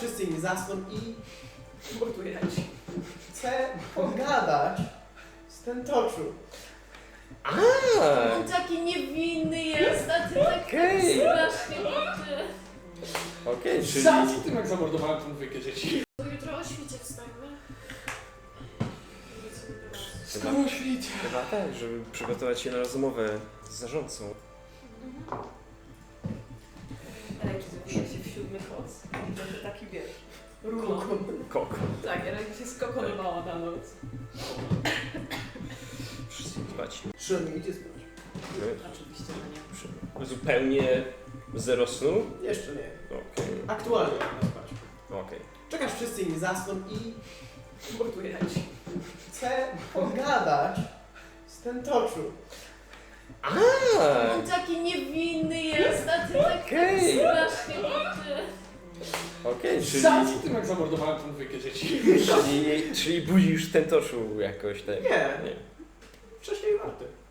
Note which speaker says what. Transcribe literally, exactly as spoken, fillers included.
Speaker 1: wszyscy inni zasną i
Speaker 2: Morduję ci.
Speaker 1: chcę pogadać z tentoczu.
Speaker 3: A,
Speaker 4: On taki niewinny jest, a ty tak
Speaker 3: Okej.
Speaker 4: strasznie liczy.
Speaker 3: okej, czyli...
Speaker 2: Za co tym jak zamordowałem tą dwójkę dzieci?
Speaker 4: Bo jutro o świcie wstajemy.
Speaker 3: Chyba,
Speaker 2: Skoro świt.
Speaker 3: chyba tak, żeby przygotować się na rozmowę z zarządcą.
Speaker 4: Ale jak zrobiła się w siódmy koc, to taki wiesz, ruch.
Speaker 3: Koko.
Speaker 4: Tak, ale jak się skokonowała na noc.
Speaker 3: Wszyscy dbać.
Speaker 1: Szymon, idzie spać.
Speaker 4: Oczywiście, że nie.
Speaker 3: Zupełnie zero snu?
Speaker 1: Jeszcze nie.
Speaker 3: Okej,
Speaker 1: Aktualnie na spać.
Speaker 3: okej.
Speaker 1: Czekasz, wszyscy inni zasną i
Speaker 2: Morduję ci.
Speaker 1: chcę pogadać z tentoczu.
Speaker 3: A,
Speaker 4: On taki niewinny jest, a ty tak
Speaker 3: Okej.
Speaker 4: strasznie liczy.
Speaker 3: okej, czyli...
Speaker 2: Za co tym jak zamordowałem tą dwójkę dzieci?
Speaker 3: Czyli, czyli budzisz ten toczu jakoś tak?
Speaker 1: Nie.
Speaker 3: Nie.
Speaker 1: Wcześniej warty.